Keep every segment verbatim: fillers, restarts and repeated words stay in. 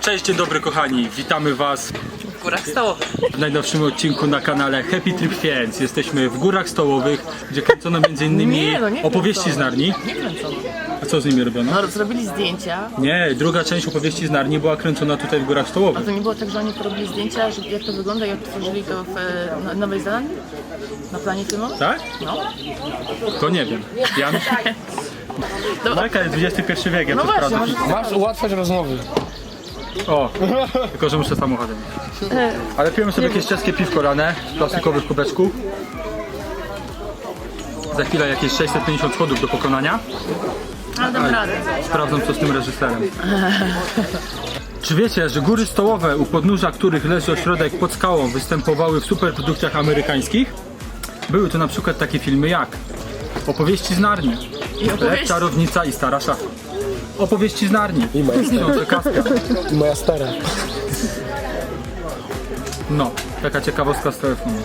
Cześć, dzień dobry kochani, witamy was w Górach Stołowych. w najnowszym odcinku na kanale Happy Trip Friends. Jesteśmy w Górach Stołowych, gdzie kręcono między innymi Nie, no nie opowieści kręcono. z Narni. Nie kręcono. A co z nimi robiono? No, zrobili zdjęcia. Nie, druga część opowieści z Narni była kręcona tutaj w Górach A Stołowych. to nie było tak, że oni porobili zdjęcia, że jak to wygląda i odtworzyli to w e, na- Nowej Zelandii? Na planie filmu? Tak? No. To nie wiem. Jan? Jaka jest dwudziesty pierwszy wiek, ja No to właśnie, sprawdzę. może- Masz ułatwiać rozmowy. O, tylko że muszę samochodem. Ale pijemy sobie jakieś czeskie piwko rane z plastikowych kubeczków. Za chwilę jakieś sześćset pięćdziesiąt schodów do pokonania. Ale dam radę. Sprawdzam co z tym reżyserem. Czy wiecie, że góry stołowe, u podnóża których leży ośrodek pod skałą, występowały w superprodukcjach amerykańskich? Były to na przykład takie filmy jak Opowieści z Narni, I opowieści. Czarownica i Stara Szafa. Opowieści z Narni. I moja Książę Kaspia. I moja stara. No, taka ciekawostka z telefonu.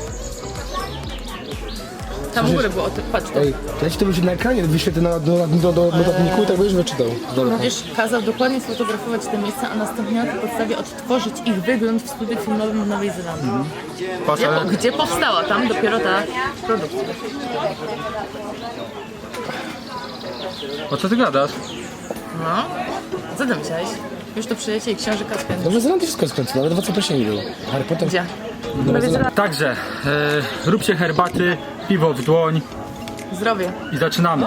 Tam u góry było o tym, patrz tu. Ej, to ja ci to będzie na ekranie wyświetlę na, do, do, do notatniku i tak będziesz wyczytał. Dobra. No wiesz, kazał dokładnie sfotografować te miejsca, a następnie na tej podstawie odtworzyć ich wygląd w studiu filmowym w Nowej Zelandii. Patrz, Gdzie, ale... po, gdzie powstała tam dopiero ta produkcja. O co ty gadasz? No. Co ty myślałeś? Już to przyjęcie i książę Kaspia. Dobrze, Zelandii wszystko jest kręcone, nawet dwa zaproszeni było. Harry Potter. Gdzie? W Nowej Zelandii. Także, e, róbcie herbaty, piwo w dłoń Zdrowie. i zaczynamy.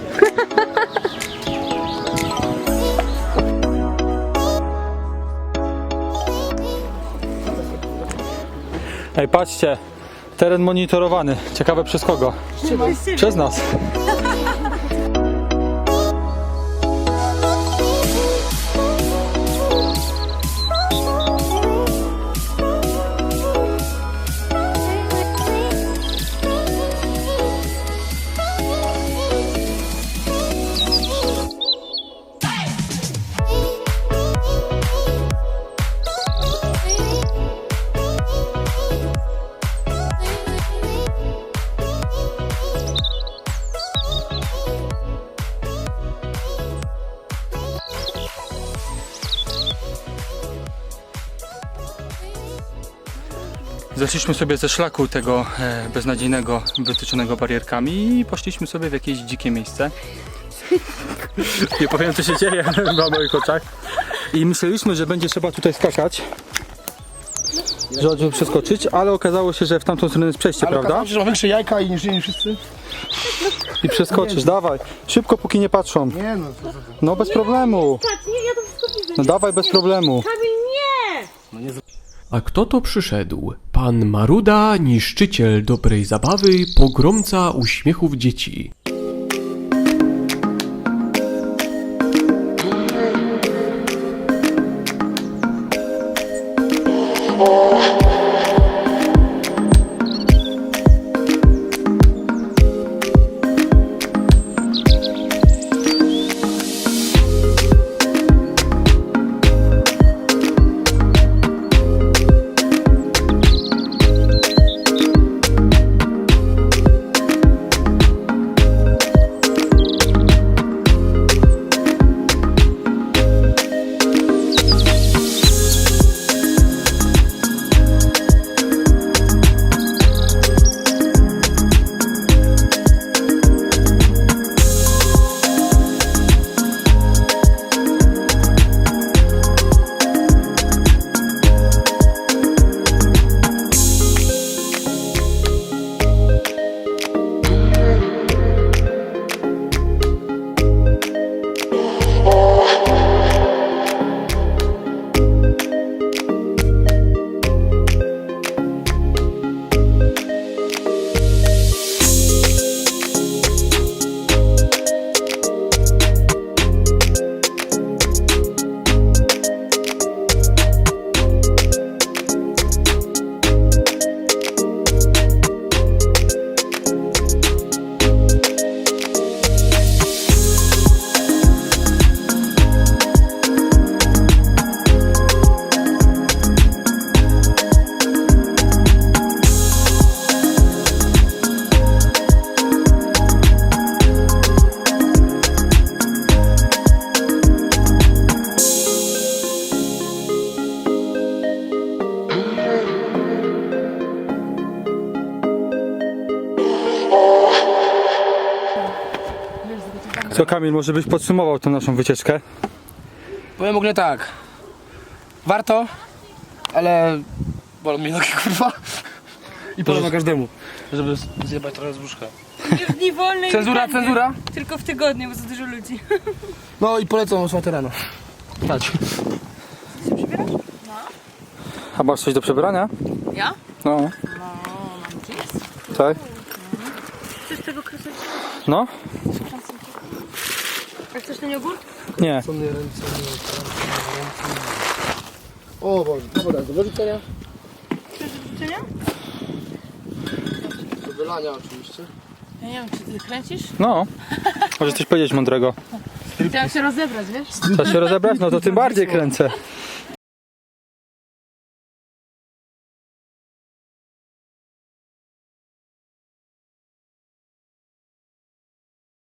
Ej, patrzcie, teren monitorowany. Ciekawe przez kogo? Przez nas. Zeszliśmy sobie ze szlaku tego e, beznadziejnego, wytyczonego barierkami i poszliśmy sobie w jakieś dzikie miejsce. Nie powiem co się dzieje na moich oczach. I myśleliśmy, że będzie trzeba tutaj skakać, żeby przeskoczyć, ale okazało się, że w tamtą stronę jest przejście, Ale prawda? okazało się, że ma większe jajka i niż, niż wszyscy. I przeskoczysz, dawaj. Szybko, póki nie patrzą. Nie no, to, to, No bez problemu. Nie, ja to wszystko widzę. No dawaj bez problemu. Kamil, nie! A kto to przyszedł? Pan Maruda, niszczyciel dobrej zabawy, pogromca uśmiechów dzieci. To Kamil, może byś podsumował tą naszą wycieczkę? Powiem w ogóle tak. Warto, ale bolą mnie nogi, kurwa. I polecam każdemu, żeby zjebać trochę z brzuszka. Nie w dni wolnej. Cenzura, weekendy. cenzura? Tylko w tygodniu, bo za dużo ludzi. No i polecam czwartej rano. Chodź. A masz coś do przebrania? Ja? No. No, mam jeans. Tak? Chcesz tego kroseczka? No? A chcesz ten jogurt? Nie. Co mnie ręce, nie, ręce. O Boże, dobra, do wyrzucenia. Chcesz do życzenia? Do wylania oczywiście. Ja nie wiem, czy ty kręcisz? No. Może coś powiedzieć mądrego. Chciałam się rozebrać, wiesz? Chcesz się rozebrać? No to tym bardziej kręcę.